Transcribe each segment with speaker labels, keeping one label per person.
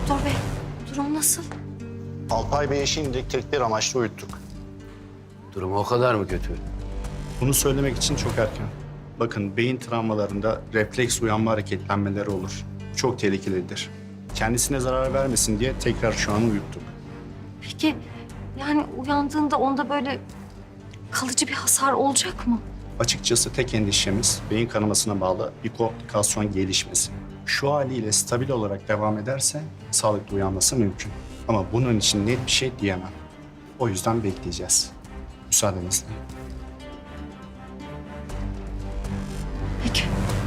Speaker 1: Doktor bey, durum nasıl?
Speaker 2: Alpay Bey'i şimdilik tedbir amaçlı uyuttuk.
Speaker 3: Durum o kadar mı kötü?
Speaker 4: Bunu söylemek için çok erken. Bakın beyin travmalarında refleks uyanma hareketlenmeleri olur. Çok tehlikelidir. Kendisine zarar vermesin diye tekrar şu an uyuttuk.
Speaker 1: Peki yani uyandığında onda böyle kalıcı bir hasar olacak mı?
Speaker 4: Açıkçası tek endişemiz beyin kanamasına bağlı bir komplikasyon gelişmesi. Şu haliyle stabil olarak devam ederse sağlıklı uyanması mümkün. Ama bunun için net bir şey diyemem. O yüzden bekleyeceğiz. Müsaadenizle.
Speaker 1: Peki.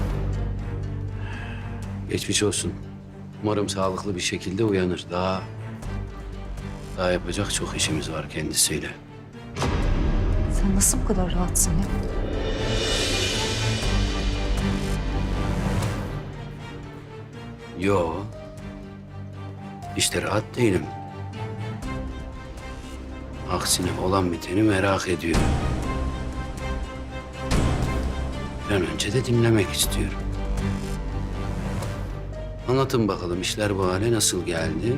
Speaker 3: Geçmiş olsun. Umarım sağlıklı bir şekilde uyanır. Daha yapacak çok işimiz var kendisiyle.
Speaker 1: Sen nasıl bu kadar rahatsın ya?
Speaker 3: Yo. İşte rahat değilim. Aksine olan biteni merak ediyorum. Bir an önce de dinlemek istiyorum. Anlatın bakalım işler bu hale nasıl geldi?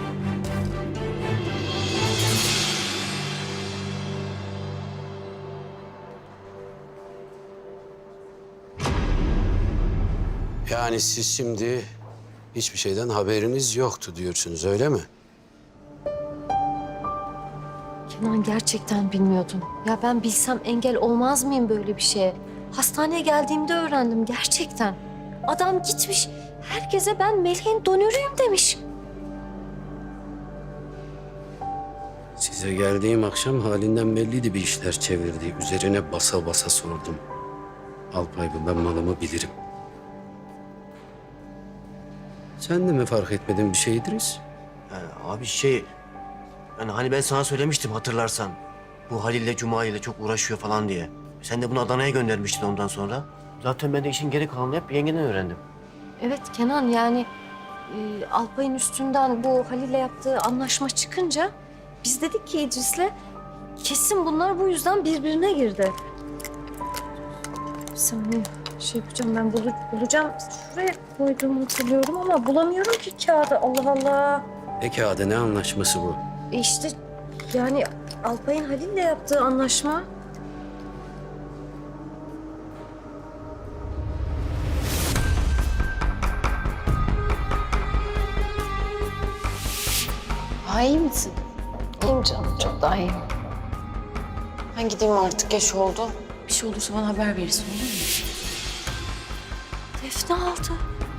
Speaker 3: Yani siz şimdi hiçbir şeyden haberiniz yoktu diyorsunuz, öyle mi?
Speaker 1: Kenan gerçekten bilmiyordum. Ya ben bilsem engel olmaz mıyım böyle bir şeye? Hastaneye geldiğimde öğrendim gerçekten. Adam gitmiş herkese ben Melih'in donörüyüm demiş.
Speaker 3: Size geldiğim akşam halinden belliydi bir işler çevirdiği. Üzerine basa basa sordum. Alpay Bey, ben malımı bilirim. Sen de mi fark etmedin bir şey İdris?
Speaker 5: Abi yani hani ben sana söylemiştim hatırlarsan. Bu Halil'le Cuma ile çok uğraşıyor falan diye. Sen de bunu Adana'ya göndermiştin ondan sonra. Zaten ben de işin geri kalanını hep yengeden öğrendim.
Speaker 1: Evet Kenan yani Alpay'ın üstünden bu Halil'le yaptığı anlaşma çıkınca biz dedik ki İdris'le kesin bunlar bu yüzden birbirine girdi. Bir saniye şey yapacağım ben bulacağım. Şuraya koyduğumu hatırlıyorum ama bulamıyorum ki kağıdı. Allah Allah.
Speaker 3: Peki adı ne anlaşması bu?
Speaker 1: İşte yani Alpay'ın Halil'le yaptığı anlaşma.
Speaker 6: Daha iyi misin? İyiyim canım, çok daha iyiyim. Ben gideyim artık, geç oldu. Bir şey olursa bana haber verirsin, olur mu?
Speaker 1: Defne aldı.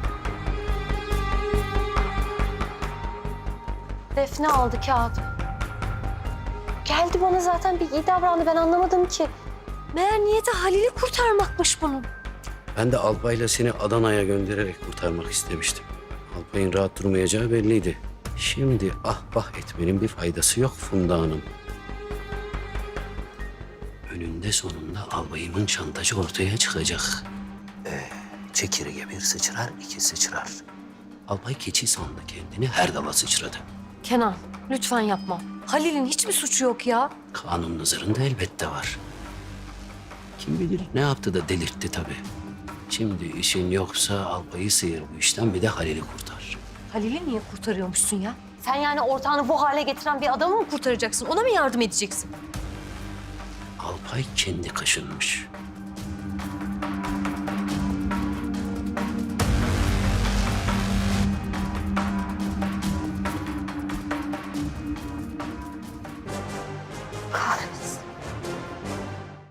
Speaker 1: Defne aldı kağıdı. Geldi bana zaten bir iyi davrandı ben anlamadım ki. Meğer niyeti Halil'i kurtarmakmış bunun.
Speaker 3: Ben de Alpay'la seni Adana'ya göndererek kurtarmak istemiştim. Alpay'ın rahat durmayacağı belliydi. Şimdi ah bah etmenin bir faydası yok Funda Hanım. Önünde sonunda albayımın şantajı ortaya çıkacak. Çekirge bir sıçrar, iki sıçrar. Albay keçi sandı kendini, her dala sıçradı.
Speaker 1: Kenan lütfen yapma. Halil'in hiçbir suçu yok ya.
Speaker 3: Kanun nazarında elbette var. Kim bilir ne yaptı da delirtti tabii. Şimdi işin yoksa albayı sıyır bu işten, bir de Halil'i kurtar.
Speaker 1: Halil'i niye kurtarıyormuşsun ya? Sen yani ortağını bu hale getiren bir adamı mı kurtaracaksın? Ona mı yardım edeceksin?
Speaker 3: Alpay kendi kaşınmış.
Speaker 1: Kahretsin.